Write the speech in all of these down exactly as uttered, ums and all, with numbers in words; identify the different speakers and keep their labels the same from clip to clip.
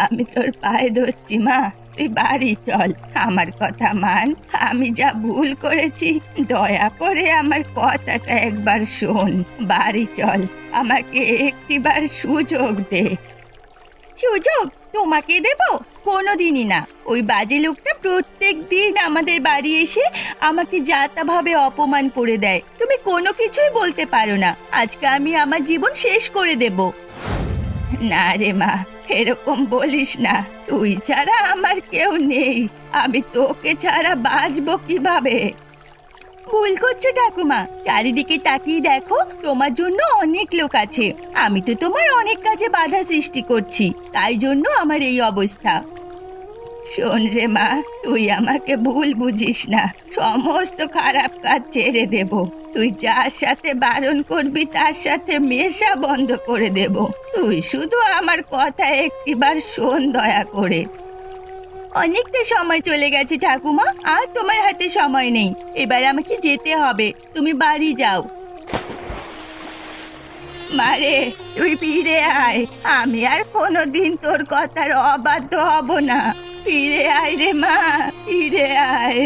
Speaker 1: আমি তোর পায়ে ধরছি মা, তুই বাড়ি চল। আমার কথা মান, আমি যা ভুল করেছি দয়া করে আমার কথাটা একবার শোন। বাড়ি চল, আমাকে একটিবার সুযোগ দে। সুযোগ তোমাকে দেব? কোনোদিনই না। ওই বাজে লোকটা প্রত্যেক দিন আমাদের বাড়ি এসে আমাকে যাতাভাবে অপমান করে দেয়। তুমি কোনো কিছুই বলতে পারো না। আজকে আমি আমার জীবন শেষ করে দেব। না রে মা, এরকম বলিস না। তুই ছাড়া আমার কেউ নেই, আমি তোকে ছাড়া বাঁচবো কিভাবে? ভুল করছো ঠাকুমা, চারিদিকে তাকিয়ে দেখো, তোমার জন্য অনেক লোক আছে। আমি তো তোমার অনেক কাজে বাধা সৃষ্টি করছি, তাই জন্য আমার এই অবস্থা। শোন রে মা, তুই আমাকে ভুল বুঝিস না। সমস্ত খারাপ কাজ ছেড়ে দেব। তুই যার সাথে বারণ করবি তার সাথে মেশা বন্ধ করে দেব। তুই শুধু আমার কথা একটিবার শোন দয়া করে। অনেকটা সময় চলে গেছে ঠাকুমা, আর তোমার হাতে সময় নেই। এবার আমাকে যেতে হবে, তুমি বাড়ি যাও। মারে, তুই ফিরে আয়। আমি আর কোনোদিন তোর কথার অবাধ্য হব না। ফিরে আয় রে মা, ফিরে আয়।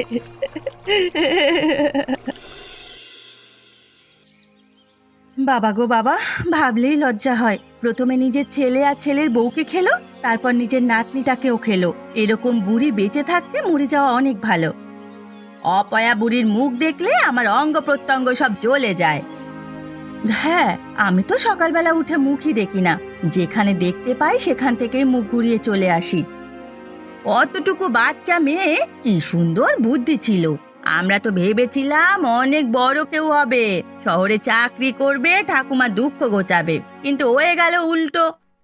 Speaker 1: বাবা গো বাবা, ভাবলেই লজ্জা হয়। প্রথমে নিজের ছেলে আর ছেলের বউকে খেলো, তারপর নিজের নাতনিটাকেও খেলো। এরকম বুড়ি বেঁচে থাকতে মরে যাওয়া অনেক ভালো। অপয়া বুড়ির মুখ দেখলে আমার অঙ্গ প্রত্যঙ্গ সব জ্বলে যায়। হ্যাঁ, আমি তো সকালবেলা উঠে মুখই দেখি না। যেখানে দেখতে পাই সেখান থেকেই মুখ ঘুরিয়ে চলে আসি। অতটুকু বাচ্চা মেয়ে, কি সুন্দর বুদ্ধি ছিল। আমরা তো ভেবেছিলাম অনেক বড় কেউ হবে, শহরে চাকরি করবে, ঠাকুমা দুঃখ ঘোচাবে, কিন্তু হয়ে গেল উল্টো।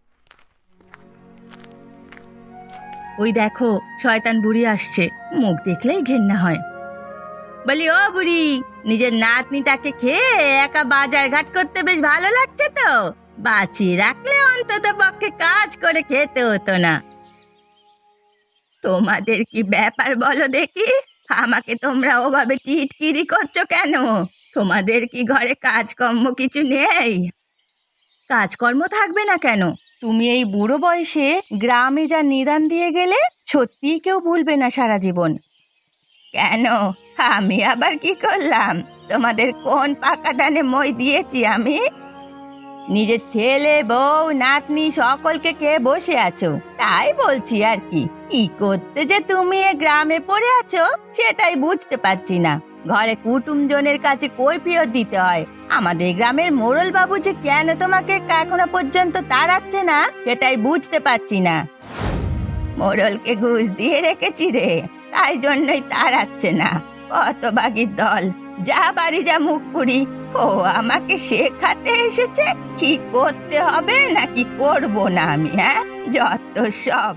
Speaker 1: ওই দেখো, শয়তান বুড়ি আসছে। মুখ দেখলেই ঘেন্না হয়। বলি, ও বুড়ি, নিজের নাতনিটাকে খেয়ে একা বাজার ঘাট করতে বেশ ভালো লাগছে তো? বাঁচিয়ে রাখলে অন্তত পক্ষে কাজ করে খেতে হতো না। তোমাদের কি ব্যাপার বলো দেখি? আমাকে তোমরা ওভাবে টিটকিরি করছো কেন? তোমাদের কি ঘরে কাজকর্ম কিছু নেই? কাজকর্ম থাকবে না কেন? তুমি এই বুড়ো বয়সে গ্রামে যা নিদান দিয়ে গেলে, সত্যিই কেউ ভুলবে না সারা জীবন। কেন, আমি আবার কি করলাম? তোমাদের কোন পাকা ধানে মই দিয়েছি আমি? নিজের ছেলে বউ নাতনি সকলকে খেয়ে বসে আছো, তাই বলছি আর কি। কি করতে যে তুমি এ গ্রামে পড়ে আছো সেটাই বুঝতে পারছি না। ঘরে কুটুমজনের কাছে কৈফিয়ত দিতে হয়। আমাদের গ্রামের মোড়ল বাবু যে কেন তোমাকে এখনো পর্যন্ত তাড়াচ্ছে না সেটাই বুঝতে পারছি না। মোড়লকে ঘুষ দিয়ে রেখেছি রে, তাই জন্যই তাড়াচ্ছে না। হতভাগীর দল, যা বাড়ি যা মুখ পুরি। ও আমাকে শেখাতে এসেছে কি করতে হবে নাকি করব না আমি। হ্যাঁ, যত সব।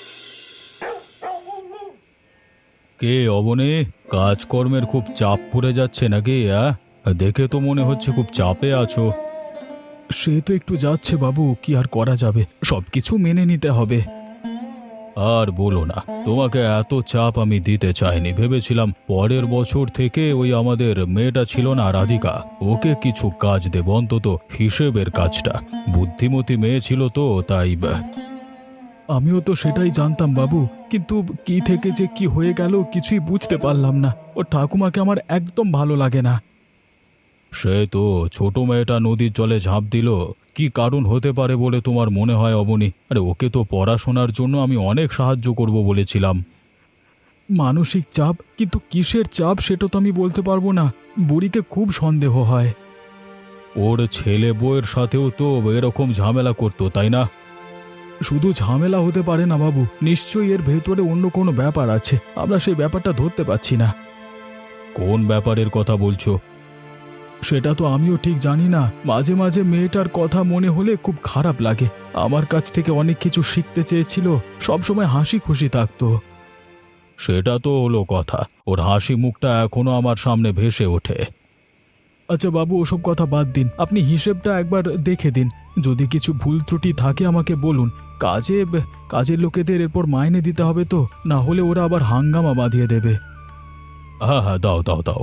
Speaker 2: কে অবনে, কাজকর্মের খুব চাপ পড়ে যাচ্ছে নাকি? হ্যাঁ, দেখে তো মনে হচ্ছে খুব চাপে আছো। সে তো একটু যাচ্ছে বাবু, কি আর করা যাবে, সবকিছু মেনে নিতে হবে। আর বলো না, তোমাকে এত চাপ আমি দিতে চাইনি। ভেবেছিলাম পরের বছর থেকে ওই আমাদের মেয়েটা ছিল না রাধিকা, ওকে কিছু কাজ দেব, অন্তত হিসেবের কাজটা। বুদ্ধিমতী মেয়ে ছিল তো, তাই। আমিও তো সেটাই জানতাম বাবু, কিন্তু কি থেকে যে কি হয়ে গেল কিছুই বুঝতে পারলাম না। ও ঠাকুমাকে আমার একদম ভালো লাগে না। সে তো ছোট মেয়েটা নদীর জলে ঝাঁপ দিল, কি কারণ হতে পারে বলে তোমার মনে হয় অবনী? আরে ওকে তো পড়াশোনার জন্য আমি অনেক সাহায্য করব বলেছিলাম। মানসিক চাপ, কিন্তু কিসের চাপ সেটা তো আমি বলতে পারবো না। বুড়িকে খুব সন্দেহ হয়। ওর ছেলে বউয়ের সাথেও তো এরকম ঝামেলা করতো, তাই না? শুধু ঝামেলা হতে পারে না বাবু, নিশ্চয়ই এর ভেতরে অন্য কোনো ব্যাপার আছে, আমরা সেই ব্যাপারটা ধরতে পারছি না। কোন ব্যাপারের কথা বলছো? সেটা তো আমিও ঠিক জানি না। মাঝে মাঝে মেয়েটার কথা মনে হলে খুব খারাপ লাগে। আমার কাছ থেকে অনেক কিছু শিখতে চেয়েছিল, সবসময় হাসি খুশি থাকতো। সেটা তো হলো কথা, ওর হাসি মুখটা এখনো আমার সামনে ভেসে ওঠে। আচ্ছা বাবু, ওসব কথা বাদ দিন, আপনি হিসেবটা একবার দেখে দিন। যদি কিছু ভুল ত্রুটি থাকে আমাকে বলুন। কাজে কাজের লোকেদের এরপর মাইনে দিতে হবে তো, না হলে ওরা আবার হাঙ্গামা বাঁধিয়ে দেবে। হ্যাঁ হ্যাঁ, দাও দাও দাও।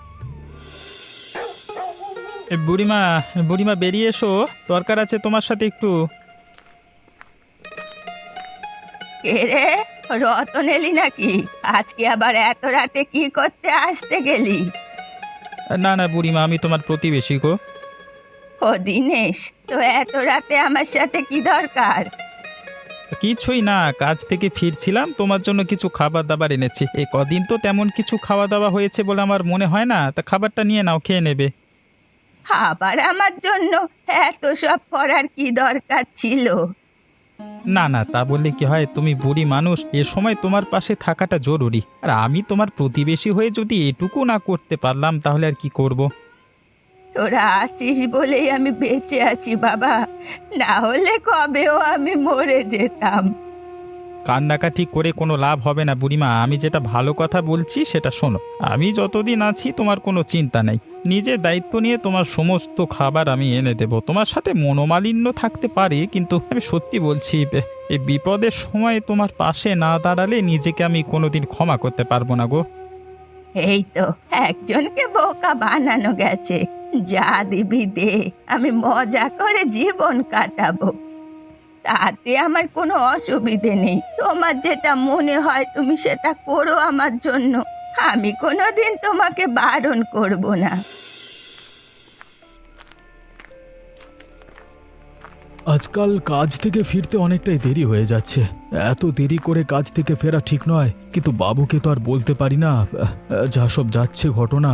Speaker 3: বুড়িমা, বুড়িমা বেরিয়ে এসো, দরকার আছে তোমার সাথে একটু।
Speaker 1: কে রে, রতন এলি নাকি? আজকে আবার এত রাতে কি করতে আসতে গেলি?
Speaker 3: না না বুড়িমা, আমি তোমার প্রতিবেশী গো।
Speaker 1: ও দিনেশ, তো এত রাতে আমার সাথে কি দরকার?
Speaker 3: কিছুই না, কাজ থেকে ফিরছিলাম, তোমার জন্য কিছু খাবার দাবার এনেছি। এ কদিন তো তেমন কিছু খাওয়া দাওয়া হয়েছে বলে আমার মনে হয় না, তা খাবারটা নিয়ে নাও, খেয়ে নেবে।
Speaker 1: আবার আমার জন্য এত সব করার কি দরকার ছিল?
Speaker 3: না না, তা বললে কি হয়, তুমি বুড়ি মানুষ, এ সময় তোমার পাশে থাকাটা জরুরি। আর আমি তোমার প্রতিবেশী হয়ে যদি এটুকু না করতে পারলাম তাহলে আর কি করব।
Speaker 1: তোরা আছিস বলেই আমি বেঁচে আছি বাবা, না হলে কবেও আমি মরে যেতাম।
Speaker 3: কান্নাকাটি করে কোনো লাভ হবে না বুড়িমা, আমি যেটা ভালো কথা বলছি সেটা শোনো। আমি যতদিন আছি তোমার কোনো চিন্তা নেই, নিজের দায়িত্ব নিয়ে তোমার সমস্ত খাবার আমি এনে দেব। তোমার সাথে মনোমালিন্য থাকতে পারে, কিন্তু আমি সত্যি বলছি, এ- এই বিপদের সময় তোমার পাশে না দাঁড়ালে নিজেকে আমি কোনোদিন ক্ষমা করতে পারবো না গো।
Speaker 1: এই তো একজনকে বোকা বানানো গেছে, যা দিবি দে, আমি মজা করে জীবন কাটাবো, তাতে আমার কোনো অসুবিধে নেই। তোমার যেটা মনে হয় তুমি সেটা করো আমার জন্য, আমি কোনোদিন তোমাকে বারণ করব না।
Speaker 2: আজকাল কাজ থেকে ফিরতে অনেকটাই দেরি হয়ে যাচ্ছে। এত দেরি করে কাজ থেকে ফেরা ঠিক নয়, কিন্তু বাবুকে তো আর বলতে পারি না। আহ, যা সব যাচ্ছে ঘটনা।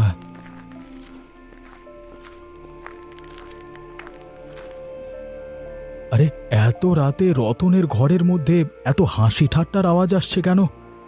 Speaker 2: আরে, এত রাতে রতনের ঘরের মধ্যে এত হাসি ঠাট্টার আওয়াজ আসছে কেন?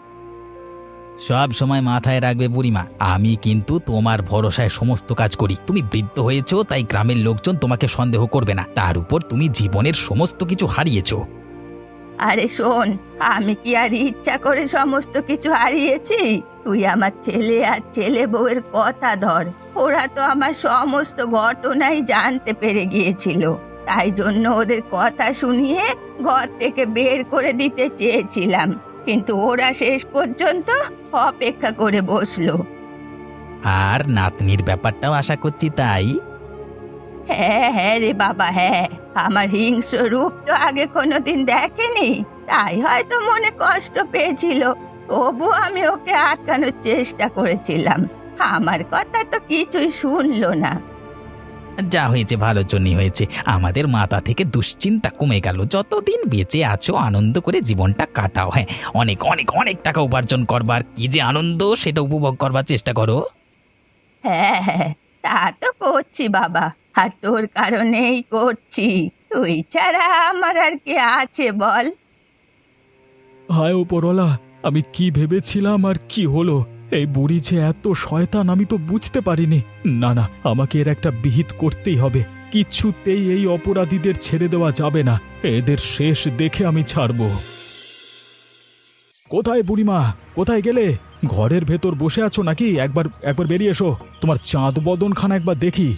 Speaker 4: সব সময় মাথায় রাখবে বুড়িমা, আমি কিন্তু তোমার ভরসায় সমস্ত কাজ করি। তুমি বৃদ্ধ হয়েছো তাই গ্রামের লোকজন তোমাকে সন্দেহ করবে না, তার উপর তুমি জীবনের সমস্ত কিছু হারিয়েছো।
Speaker 1: আরে শোন, আমি কি আর ইচ্ছা করে সমস্ত কিছু হারিয়েছি? তুই আমার ছেলে আর ছেলে বউয়ের কথা ধর, ওরা তো আমার সমস্ত ঘটনাই জানতে পেরে গিয়েছিল, তাই জন্য ওদের কথা শুনিয়ে ঘর থেকে বের করে দিতে চেয়েছিলাম, কিন্তু ওরা শেষ পর্যন্ত অপেক্ষা করে বসলো।
Speaker 4: আর নাতনির ব্যাপারটাও আশা করছি তাই।
Speaker 1: হ্যাঁ হ্যাঁ রে বাবা, হ্যাঁ, আমার হিংস্র রূপ তো আগে কোনোদিন দেখেনি, তাই হয়তো মনে কষ্ট পেয়েছিল, তবু আমি ওকে আটকানোর চেষ্টা করেছিলাম, আমার কথা তো কিছুই শুনলো না।
Speaker 4: যা হয়েছে ভালোর জন্যই হয়েছে, আমাদের মাথা থেকে দুশ্চিন্তা কমে গেল। যতদিন বেঁচে আছো আনন্দ করে জীবনটা কাটাও। হ্যাঁ, অনেক অনেক অনেক টাকা উপার্জন করবার কি যে আনন্দ সেটা উপভোগ করবার চেষ্টা করো।
Speaker 1: হ্যাঁ হ্যাঁ, তা তো করছি বাবা, আর তোর কারণেই করছি, তুই ছাড়া আমার আর কে আছে বল?
Speaker 2: হায় ওপরওয়ালা, আমি কি ভেবেছিলাম আর কি হলো? এই বুড়ি যে এত শয়তান আমি তো বুঝতে পারিনি। না না, আমাকে এর একটা বিহিত করতেই হবে। কিছুতেই এই অপরাধীদের ছেড়ে দেওয়া যাবে না, এদের শেষ দেখে আমি ছাড়ব। কোথায় বুড়িমা, কোথায় গেলে? ঘরের ভেতর বসে আছো নাকি? একবার একবার বেরিয়ে এসো, তোমার চাঁদ বদনখানা একবার দেখি।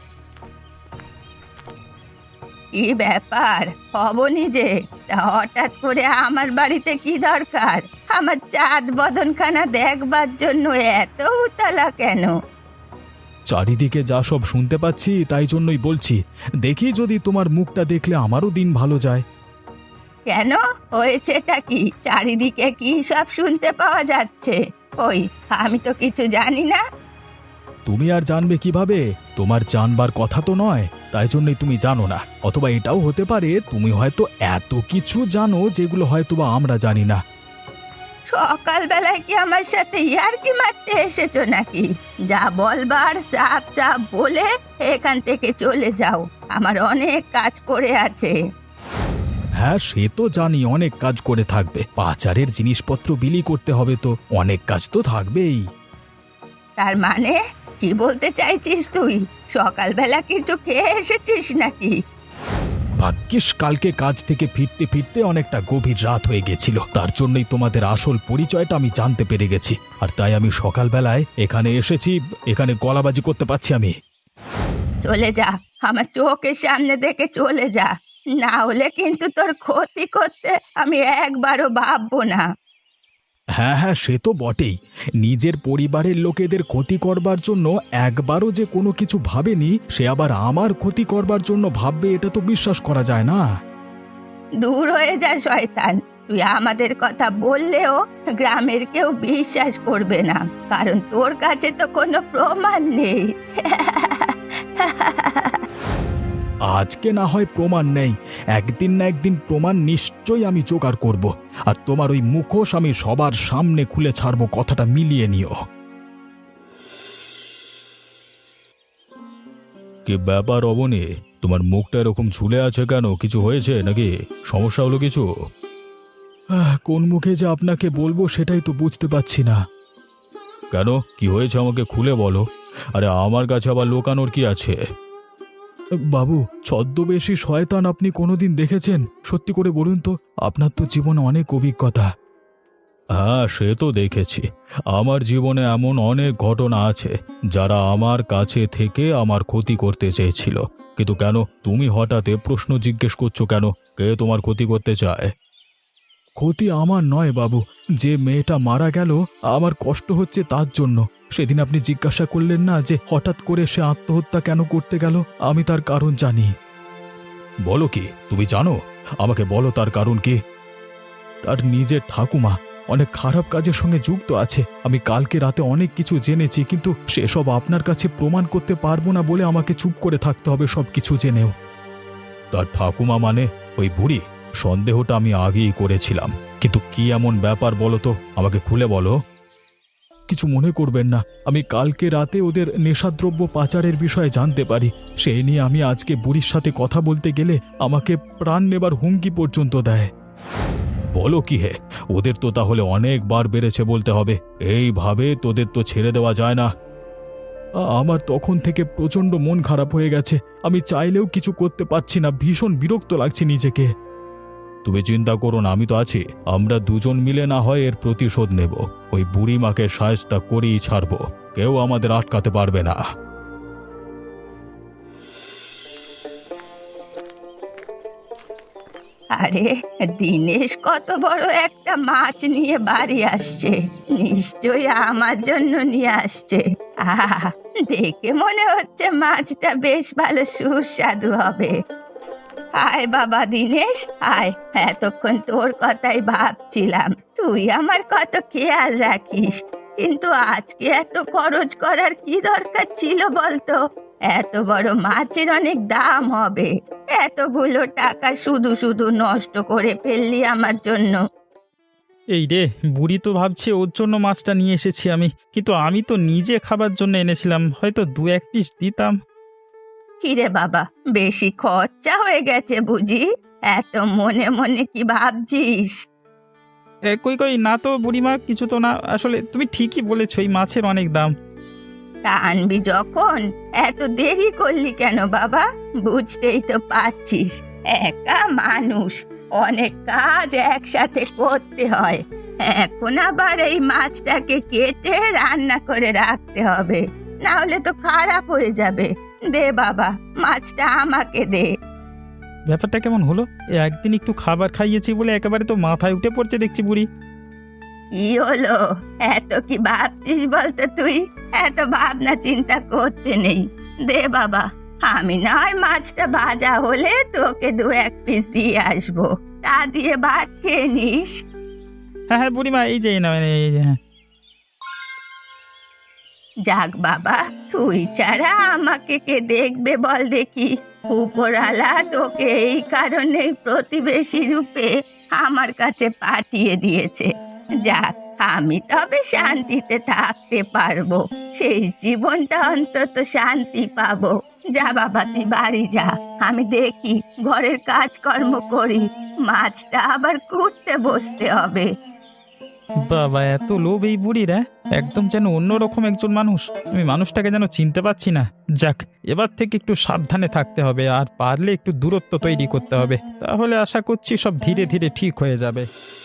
Speaker 1: কি ব্যাপার অবনি যে, তা হঠাৎ করে আমার বাড়িতে কি দরকার? আমার চাঁদ বদনখানা দেখবার জন্য এত উতলা কেন?
Speaker 2: চারিদিকে যা সব শুনতে পাচ্ছি তাই জন্যই বলছি, দেখি যদি তোমার মুখটা দেখলে আমারও দিন ভালো যায়।
Speaker 1: কেন, হয়েছেটা কি? চারিদিকে কি সব শুনতে পাওয়া যাচ্ছে? ওই, আমি তো কিছু জানি না।
Speaker 2: তুমি আর জানবে কিভাবে? তোমার জানবার কথা তো নয়, তাই জন্যই তুমি জানো না। অথবা এটাও হতে পারে তুমি হয়তো এত কিছু জানো যেগুলো হয়তো বা আমরা জানি না।
Speaker 1: সকালবেলায় কি আমার সাথে ইয়ার্কি মারতে এসেছো নাকি? যা বলবার সাপ সাপ বলে এখান থেকে চলে যাও, আমার অনেক কাজ করে আছে।
Speaker 2: হ্যাঁ, সে তো জানি অনেক কাজ করে থাকবে, পাচারের জিনিসপত্র বিলি করতে হবে, তো অনেক কাজ তো থাকবেই।
Speaker 1: তার মানে কি বলতে চাইছিস তুই? সকালবেলা কিছু খেয়ে এসেছিস নাকি?
Speaker 2: ভাগ্যিস কালকে কাজ থেকে ফিরতে ফিরতে অনেকটা গভীর রাত হয়ে গেছিল, তার জন্যই তোমাদের আসল পরিচয়টা আমি জানতে পেরে গেছি, আর তাই আমি সকালবেলায় এখানে এসেছি। এখানে গলাবাজি করতে পারছি আমি?
Speaker 1: চলে যা, আমার চোখের সামনে দেখে চলে যা, না হলে কিন্তু তোর ক্ষতি করতে আমি একবারও ভাববো না।
Speaker 2: হ্যাঁ হ্যাঁ, সে তো বটেই। নিজের পরিবারের লোকেদের ক্ষতি করবার জন্য একবারও যে কোনো কিছু ভাবেনি, সে আবার আমার ক্ষতি করবার জন্য ভাববে, এটা তো বিশ্বাস করা যায় না।
Speaker 1: দূর হয়ে যা শয়তান, তুই আমাদের কথা বললেও গ্রামের কেউ বিশ্বাস করবে না, কারণ তোর কাছে তো কোনো প্রমাণ নেই।
Speaker 2: আজকে না হয় প্রমাণ নেই, একদিন না একদিন প্রমাণ নিশ্চয়ই আমি জোগাড় করব। আর তোমার ওই মুখোশ আমি সবার সামনে খুলে ছাড়বো, কথাটা মিলিয়ে নিও। কি ব্যাপার অবনী, তোমার মুখটা এরকম ঝুলে আছে কেন? কিছু হয়েছে নাকি? সমস্যা হলো কিছু? কোন মুখে যে আপনাকে বলবো সেটাই তো বুঝতে পারছি না। কেন, কি হয়েছে আমাকে খুলে বলো। আরে আমার কাছে আবার লুকানোর কি আছে? বাবু, ছদ্মবেশী শয়তান আপনি কোনোদিন দেখেছেন? সত্যি করে বলুন তো, আপনার তো জীবনে অনেক অভিজ্ঞতা। হ্যাঁ, সে তো দেখেছি। আমার জীবনে এমন অনেক ঘটনা আছে যারা আমার কাছে থেকে আমার ক্ষতি করতে চেয়েছিল। কিন্তু কেন তুমি হঠাৎ এ প্রশ্ন জিজ্ঞেস করছো কেন? কে তোমার ক্ষতি করতে চায়? ক্ষতি আমার নয় বাবু, যে মেয়েটা মারা গেল আমার কষ্ট হচ্ছে তার জন্য। সেদিন আপনি জিজ্ঞাসা করলেন না যে হঠাৎ করে সে আত্মহত্যা কেন করতে গেল? আমি তার কারণ জানি। বলো কি, তুমি জানো? আমাকে বলো তার কারণ কি। তার নিজের ঠাকুমা অনেক খারাপ কাজের সঙ্গে যুক্ত আছে। আমি কালকে রাতে অনেক কিছু জেনেছি, কিন্তু সেসব আপনার কাছে প্রমাণ করতে পারবো না বলে আমাকে চুপ করে থাকতে হবে সব কিছু জেনেও। তার ঠাকুমা মানে ওই বুড়ি? সন্দেহটা আমি আগেই করেছিলাম, কিন্তু কি এমন ব্যাপার বলো তো, আমাকে খুলে বলো। কিছু মনে করবেন না, আমি কালকে রাতে ওদের নেশাদ্রব্য পাচারের বিষয়ে জানতে পারি। সেই নিয়ে আমি আজকে বুড়ির সাথে কথা বলতে গেলে আমাকে প্রাণ নেবার হুমকি পর্যন্ত দেয়। বলো কি হে, ওদের তো তাহলে অনেকবার বেড়েছে বলতে হবে। এইভাবে তোদের তো ছেড়ে দেওয়া যায় না। আমার তখন থেকে প্রচণ্ড মন খারাপ হয়ে গেছে, আমি চাইলেও কিছু করতে পারছি না, ভীষণ বিরক্ত লাগছে নিজেকে। তুমি চিন্তা করো না, আমি তো আছি। আমরা দুজন মিলে না হয় এর প্রতিশোধ নেব। ওই বুড়ি মাকে সায়স্তা করেই ছাড়বো, কেউ আমাদের আটকাতে পারবে না।
Speaker 1: আরে, দিনেশ কত বড় একটা মাছ নিয়ে বাড়ি আসছে, নিশ্চয়ই আমার জন্য নিয়ে আসছে। আহা, দেখে মনে হচ্ছে মাছটা বেশ ভালো সুস্বাদু হবে। আয় বাবা দিনেশ, আয়। এতক্ষণ তোর কথাই ভাবছিলাম, তুই আমার কত খেয়াল রাখিস, কিন্তু আজকে এত খরচ করার কি দরকার ছিল বলতো? এত বড় মাছের অনেক দাম হবে, এতগুলো টাকা শুধু শুধু নষ্ট করে ফেললি আমার জন্য।
Speaker 3: এই রে, বুড়ি তো ভাবছে ওর জন্য মাছটা নিয়ে এসেছি আমি, কিন্তু আমি তো নিজে খাবার জন্য এনেছিলাম, হয়তো দু এক পিস দিতাম।
Speaker 1: কিরে বাবা, বেশি খরচা হয়ে গেছে বুঝি? এত মনে মনে কি ভাবছিস?
Speaker 3: এ, কই কই না তো বুড়িমা, কিছু তো না। আসলে তুমি ঠিকই বলেছো, এই মাছের অনেক দাম।
Speaker 1: তা আনবি যখন এত দেরি করলি কেন বাবা? বুঝতেই তো পারছিস, একা মানুষ, অনেক কাজ একসাথে করতে হয়। এখন আবার এই মাছটাকে কেটে রান্না করে রাখতে হবে, না হলে তো খারাপ হয়ে যাবে। দে বাবা, মাছটা আমাকে দে।
Speaker 3: ব্যাপারটা কেমন হলো? এ একদিন একটু খাবার খাইয়েছি বলে একেবারে তো মাথায় উঠে পড়ছে দেখছি বুড়ি।
Speaker 1: কি হলো, এত কি ভাবছিস বলতো তুই? এত ভাবনা চিন্তা করতে নেই, দে বাবা। আমি নয় মাছটা ভাজা হলে তোকে দু এক পিস দিয়ে আসবো, তা দিয়ে ভাত খেয়ে নিস।
Speaker 3: হ্যাঁ হ্যাঁ বুড়িমা, এই যে এই নাও, এই যে, হ্যাঁ।
Speaker 1: যাক বাবা, তুই ছাড়া আমাকে কে দেখবে বল দেখি? উপরওয়ালা তোকে এই কারণেই প্রতিবেশী রূপে আমার কাছে পাঠিয়ে দিয়েছে। যাক, আমি তবে শান্তিতে থাকতে পারবো, সেই জীবনটা অন্তত শান্তি পাবো। যা বাবা, তুই বাড়ি যা, আমি দেখি ঘরের কাজকর্ম করি, মাছটা আবার কুটতে বসতে হবে।
Speaker 3: বাবা, এত লোভ এই বুড়ির! হ্যাঁ, একদম যেন অন্যরকম একজন মানুষ। আমি মানুষটাকে যেন চিনতে পারছি না। যাক, এবার থেকে একটু সাবধানে থাকতে হবে, আর পারলে একটু দূরত্ব তৈরি করতে হবে, তাহলে আশা করছি সব ধীরে ধীরে ঠিক হয়ে যাবে।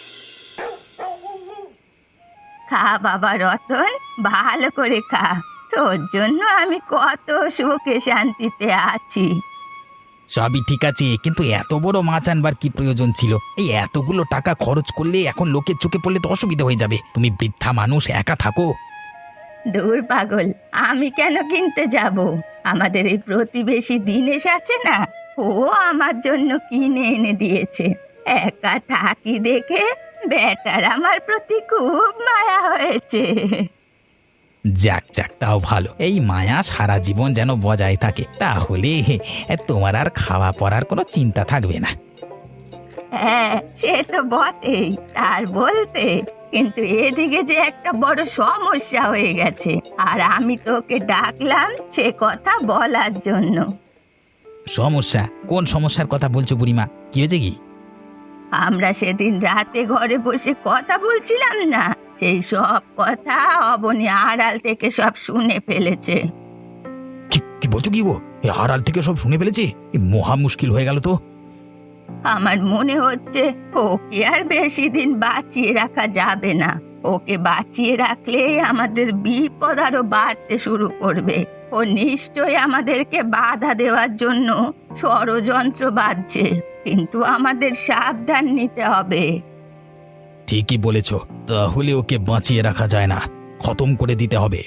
Speaker 1: খা বাবা রতন, ভালো করে খা, তোর জন্য আমি কত সুখে শান্তিতে আছি।
Speaker 4: সবই ঠিক আছে, কিন্তু এত বড় মাছ আনবার কি প্রয়োজন ছিল? এই এতগুলো টাকা খরচ করলে এখন লোকের চোখে পড়লে তো অসুবিধা হয়ে যাবে। তুমি বৃদ্ধা মানুষ, একা থাকো।
Speaker 1: দূর পাগল, আমি কেন কিনতে যাব? আমাদের এই প্রতিবেশী দিনেশ আছে না, ও আমার জন্য কিনে এনে দিয়েছে। একা থাকি দেখে বেটার আমার প্রতি খুব মায়া হয়েছে।
Speaker 4: যাক যাক, তাও ভালো। এই মায়া সারা জীবন যেন বজায় থাকে, তাহলে তোমার আর খাওয়া পড়ার কোনো চিন্তা থাকবে না।
Speaker 1: হ্যাঁ সে তো বটেই, তার বলতে, কিন্তু এদিকে যে একটা বড় সমস্যা হয়ে গেছে, আর আমি তোকে ডাকলাম সে কথা বলার জন্য।
Speaker 4: সমস্যা? কোন সমস্যার কথা বলছো বুড়িমা? কি হয়েছে কি?
Speaker 1: আমরা সেদিন রাতে ঘরে বসে কথা বলছিলাম না, সেই সব কথা অবনী আড়াল থেকে সব শুনে ফেলেছে।
Speaker 4: কি কি বলছো কি গো? এই আড়াল থেকে সব শুনে ফেলেছি? এই মহা মুশকিল হয়ে গেল তো।
Speaker 1: আমার মনে হচ্ছে ওকে আর বেশি দিন বাঁচিয়ে রাখা যাবে না। ওকে বাঁচিয়ে রাখলে আমাদের বিপদ আরো বাড়তে শুরু করবে। ও নিশ্চয়ই আমাদেরকে বাধা দেওয়ার জন্য ষড়যন্ত্র বাঁধছে, কিন্তু আমাদের সাবধান নিতে হবে।
Speaker 4: ঠিকই বলেছ, তাহলে ওকে বাঁচিয়ে রাখা যায় না, খতম করে দিতে হবে।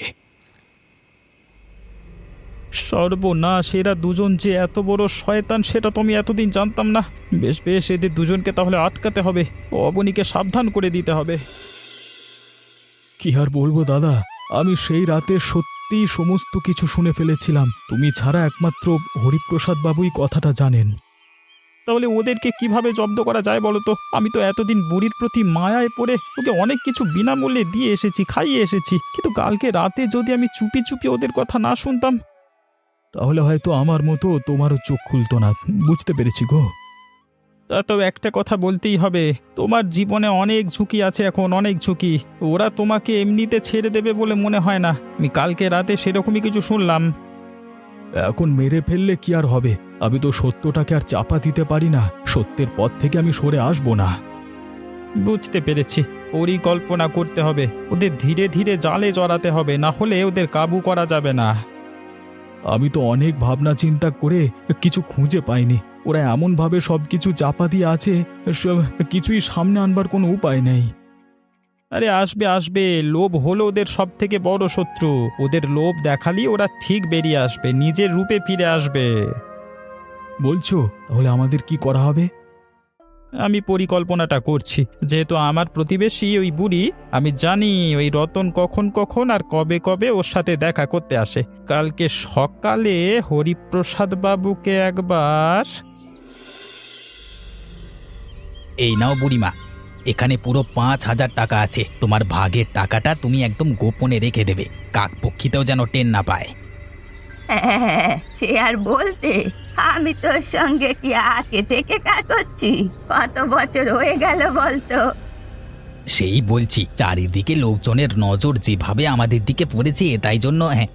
Speaker 3: সর্বনাশ, এরা দুজন যে এত বড় শয়তান সেটা তো আমি এতদিন জানতাম না। বেশ বেশ, এদের দুজনকে তাহলে আটকাতে হবে, অবনীকে সাবধান করে দিতে হবে।
Speaker 2: কি আর বলবো দাদা, আমি সেই রাতে সত্যি সমস্ত কিছু শুনে ফেলেছিলাম। তুমি ছাড়া একমাত্র হরিপ্রসাদ বাবুই কথাটা জানেন।
Speaker 3: তাহলে ওদেরকে কিভাবে জব্দ করা যায় বলো তো? আমি তো এতদিন বুড়ির প্রতি মায়ায় পড়ে ওকে অনেক কিছু বিনামূল্যে দিয়ে এসেছি, খাইয়ে এসেছি, কিন্তু কালকে রাতে যদি আমি চুপি চুপি ওদের কথা না শুনতাম।
Speaker 2: তাহলে হয়তো আমার মতো তোমারও চোখ খুলতো না। বুঝতে পেরেছি গো।
Speaker 3: তা তো একটা কথা বলতেই হবে, তোমার জীবনে অনেক ঝুঁকি আছে এখন, অনেক ঝুঁকি। ওরা তোমাকে এমনিতে ছেড়ে দেবে বলে মনে হয় না। আমি কালকে রাতে সেরকমই কিছু শুনলাম।
Speaker 2: এখন মেরে ফেললে কি আর হবে? আমি তো সত্যটাকে আর চাপা দিতে পারি না। সত্যের পথ থেকে আমি সরে আসবো না।
Speaker 3: বুঝতে পেরেছি, পরিকল্পনা করতে হবে, ওদের ধীরে ধীরে জালে জড়াতে হবে, না হলে ওদের কাবু করা যাবে না।
Speaker 2: আমি তো অনেক ভাবনা চিন্তা করে কিছু খুঁজে পাইনি। ওরা এমনভাবে সব কিছু চাপা দিয়ে আছে, সব কিছুই সামনে আনবার কোনো উপায় নেই।
Speaker 3: আরে আসবে আসবে, লোভ হলো ওদের সব থেকে বড় শত্রু। ওদের লোভ দেখালি ওরা ঠিক বেরিয়ে আসবে, নিজের রূপে ফিরে আসবে।
Speaker 2: বলছো তাহলে আমাদের কি করা হবে?
Speaker 3: আমি পরিকল্পনাটা করছি। যেহেতু আমার প্রতিবেশী ওই বুড়ি, আমি জানি ওই রতন কখন কখন আর কবে কবে ওর সাথে দেখা করতে আসে। কালকে সকালে হরিপ্রসাদ বাবুকে একবার।
Speaker 4: এই নাও বুড়িমা, এখানে পুরো পাঁচ হাজার টাকা আছে। তোমার ভাগের টাকাটা তুমি একদম গোপনে রেখে দেবে, কাকপক্ষীতেও যেন টেন না পায়।
Speaker 1: হ্যাঁ সে আর বলতে, আমি তোর সঙ্গে কি আগে থেকে কাজ করছি? কত বছর হয়ে গেল বলতো?
Speaker 4: সেই বলছি, চারিদিকে লোকজনের নজর যেভাবে আমাদের দিকে পড়েছে, তাই জন্য। হ্যাঁ,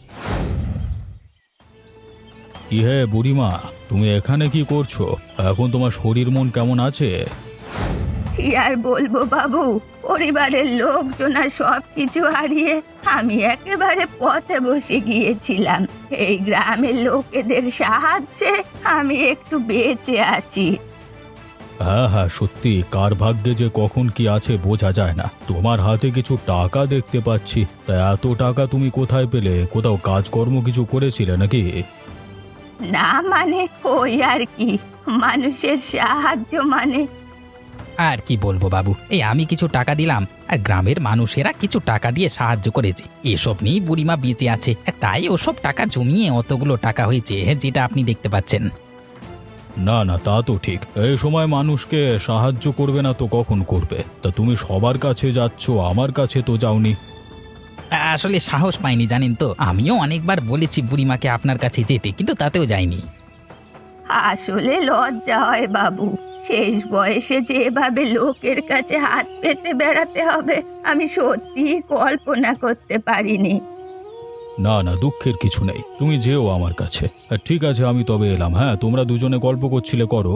Speaker 2: কি হে বুড়িমা, তুমি এখানে কি করছো? এখন তোমার শরীর মন কেমন আছে?
Speaker 1: কি আর বলবো বাবু, পরিবারের লোকজন আর সব কিছু হারিয়ে আমি একেবারে পথে বসে গিয়েছিলাম। এই গ্রামের লোকেদের সাহায্যে আমি একটু বেঁচে আছি।
Speaker 2: হ্যাঁ হ্যাঁ, সত্যি কার ভাগ্যে যে কখন কি আছে বোঝা যায় না। তোমার হাতে কিছু টাকা দেখতে পাচ্ছি, তা এত টাকা তুমি কোথায় পেলে? কোথাও কাজকর্ম কিছু করেছিলে নাকি?
Speaker 1: না মানে ওই আর কি, মানুষের সাহায্য মানে।
Speaker 4: আর কি বলবো বাবু, এই আমি কিছু টাকা দিলাম, আর গ্রামের মানুষেরা কিছু টাকা দিয়ে সাহায্য করেছে। এসব নিয়েই বুড়িমা বেঁচে আছে, তাই ওসব টাকা জমিয়ে অতগুলো টাকা হয়েছে, যেটা আপনি দেখতে পাচ্ছেন।
Speaker 2: না না, তা তো ঠিক। এই সময় মানুষকে সাহায্য করবে না তো কখন করবে? তা তুমি সবার কাছে যাচ্ছ, আমার কাছে তো যাওনি।
Speaker 4: আসলে সাহস পাইনি জানেন তো। আমিও অনেকবার বলেছি বুড়িমাকে আপনার কাছে যেতে, কিন্তু তাতেও যায়নি।
Speaker 1: আসলে লজ্জা হয় বাবু, শেষ বয়সে যেভাবে লোকের কাছে হাত পেতে বেড়াতে হবে আমি সত্যি কল্পনা করতে পারিনি।
Speaker 2: না না, দুঃখের কিছু নেই, তুমি যেও আমার কাছে। ঠিক আছে, আমি তবে এলাম। হ্যাঁ, তোমরা দুজনে গল্প করছিলে, করো।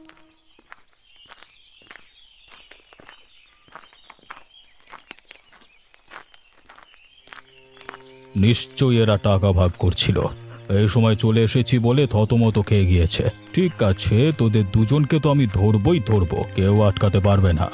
Speaker 2: নিশ্চয়ই এরা টাকা ভাগ করছিল। এই সময় চলে এসেছি বলে থতমত খেয়ে গিয়েছে। ঠিক আছে, তোদের দুজনকে তো আমি ধরবই ধরবো, কেউ আটকাতে পারবে না।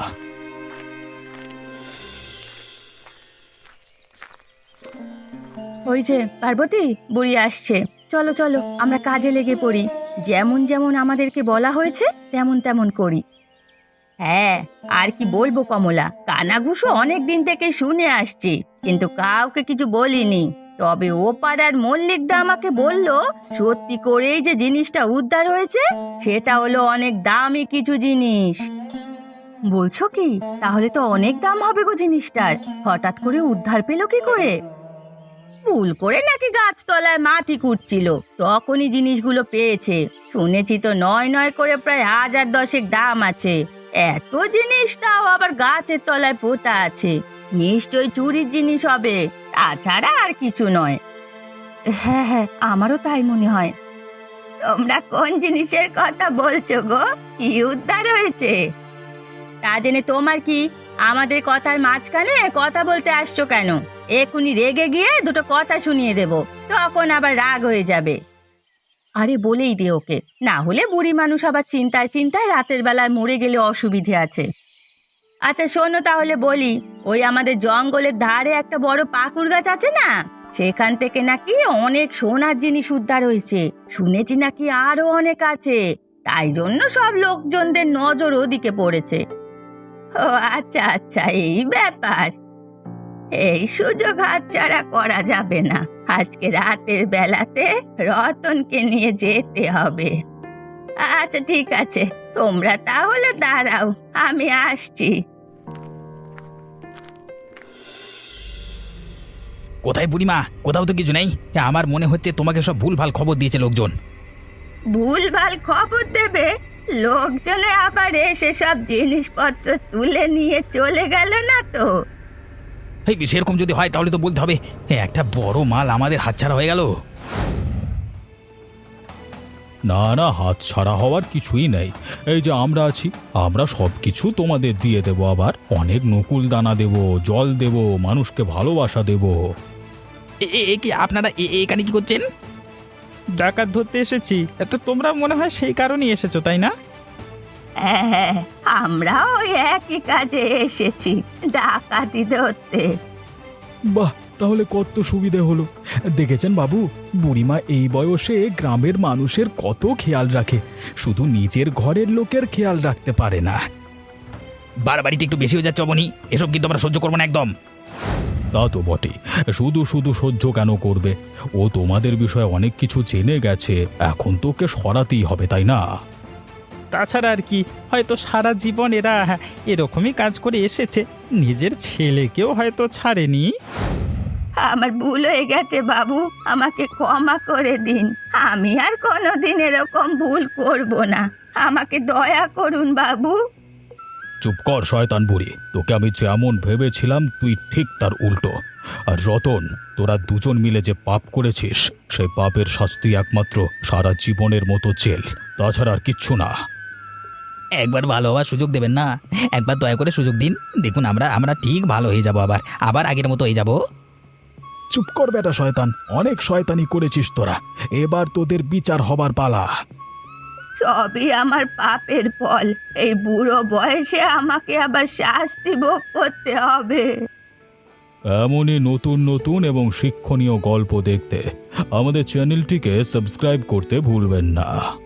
Speaker 1: ওই যে পার্বতী, বুড়ি আসছে, চলো চলো আমরা কাজে লেগে পড়ি। যেমন যেমন আমাদেরকে বলা হয়েছে তেমন তেমন করি। হ্যাঁ, আর কি বলবো কমলা, কানাঘুষো অনেক দিন থেকে শুনে আসছি, কিন্তু কাউকে কিছু বলিনি। তবে ও পাড়ার মল্লিকদা আমাকে বলল সত্যি করেই যে জিনিসটা উদ্ধার হয়েছে সেটা হলো অনেক দামি কিছু জিনিস। বলছো কি? তাহলে তো অনেক দাম হবে গো জিনিসটার। হঠাৎ করে উদ্ধার পেলো কি করে? ভুল করে নাকি গাছতলায় মাটি খুঁড়ছিল, তখনই জিনিসগুলো পেয়েছে। শুনেছি তো নয় নয় করে প্রায় হাজার দশেক দাম আছে। এত জিনিস, তাও আবার গাছের তলায় পোতা আছে। নিশ্চয়ই চুরির জিনিস হবে, তাছাড়া আর কিছু নয়। হ্যাঁ হ্যাঁ, আমারও তাই মনে হয়। তোমরা কোন জিনিসের কথা বলছো গো? কি উদ্ধার হয়েছে? তা জেনে তোমার কি? আমাদের কথার মাঝখানে কথা বলতে আসছো কেন? এক্ষুনি রেগে গিয়ে দুটো কথা শুনিয়ে দেব, তখন আবার রাগ হয়ে যাবে। আরে বলেই দে ওকে, না হলে বুড়ি মানুষ আবার চিন্তায় চিন্তায় রাতের বেলায় মরে গেলে অসুবিধে আছে। আচ্ছা শোনো তাহলে বলি, ওই আমাদের জঙ্গলের ধারে একটা বড় পাকুড় গাছ আছে না, সেখান থেকে নাকি অনেক সোনার জিনিস উদ্ধার হয়েছে। শুনেছি নাকি আরো অনেক আছে, তাই জন্য সব লোকজনদের নজর ওদিকে পড়েছে। ও আচ্ছা আচ্ছা, এই ব্যাপার। এই সুযোগ হাতছাড়া করা যাবে না। আজকে রাতের বেলাতে রতনকে নিয়ে যেতে হবে। আচ্ছা ঠিক আছে, তোমরা তাহলে দাঁড়াও, আমি আসছি।
Speaker 4: কোথায় বুড়িমা? কোথাও তো কিছু নেই। আমার মনে হচ্ছে তোমাকে সব ভুলভাল খবর দিয়েছে লোকজন।
Speaker 1: ভুলভাল খবর দেবে? লোকজনে আবার এসে সব জিনিসপত্র তুলে নিয়ে চলে গেল না তো?
Speaker 4: এই সেরকম যদি হয় তাহলে তো বলতে হবে একটা বড় মাল আমাদের হাতছাড়া হয়ে গেল।
Speaker 2: না না, হাত ছাড়া হওয়ার কিছুই নেই। এই যে আমরা আছি, আমরা সব কিছু তোমাদের দিয়ে দেব। আবার অনেক নকুল দানা দেব, জল দেব, মানুষকে ভালোবাসা দেব।
Speaker 4: এ- এ- এ কি আপনারা এ- এ- এখানে কি করছেন?
Speaker 3: ডাকাত ধরতে এসেছি, এত তোমরা মনে হয় সেই কারণেই এসেছো, তাই না?
Speaker 1: হ্যাঁ, আমরাও ওই একই কাজে এসেছি, ডাকাতি ধরতে।
Speaker 2: বাহ, তাহলে কত সুবিধে হলো। দেখেছেন বাবু, বুড়িমা এই বয়সে গ্রামের মানুষের কত খেয়াল রাখে, শুধু নিজের ঘরের লোকের খেয়াল রাখতে পারে না।
Speaker 4: বাড়াবাড়িটা একটু বেশি হয়ে যাচ্ছে অবনি, এসব কিন্তু আমরা সহ্য করবো না একদম।
Speaker 2: তা তো বটে, শুধু শুধু সহ্য কেন করবে? ও তোমাদের বিষয়ে অনেক কিছু জেনে গেছে, এখন তোকে সরাতেই হবে, তাই না?
Speaker 3: তাছাড়া আর কি, হয়তো সারা জীবন এরা এরকমই কাজ করে এসেছে, নিজের ছেলেকেও হয়তো ছাড়েনি।
Speaker 1: আমার ভুল হয়ে গেছে বাবু, আমাকে ক্ষমা করে দিন। আমি আর কোনোদিন এরকম ভুল করব না, আমাকে দয়া করুন বাবু।
Speaker 2: চুপ কর শয়তান বুড়ি, তোকে আমি যেমন ভেবেছিলাম তুই ঠিক তার উল্টো। আর রতন, তোরা দুজন মিলে যে পাপ করেছিস, সেই পাপের শাস্তি একমাত্র সারা জীবনের মতো জেল, তাছাড়া আর কিচ্ছু না।
Speaker 4: একবার ভালো হওয়ার সুযোগ দেবেন না? একবার দয়া করে সুযোগ দিন, দেখুন আমরা আমরা ঠিক ভালো হয়ে যাব, আবার আবার আগের মতো হয়ে যাব।
Speaker 2: চুপ কর বেটা শয়তান, অনেক শয়তানি করেছিস তোরা, এবার তোদের বিচার হবার পালা।
Speaker 1: সবই আমার পাপের ফল, এই বুড়ো বয়সে আমাকে আবার শাস্তি ভোগ করতে হবে।
Speaker 2: এমনই নতুন নতুন এবং শিক্ষণীয় গল্প দেখতে আমাদের চ্যানেলটিকে সাবস্ক্রাইব করতে ভুলবেন না।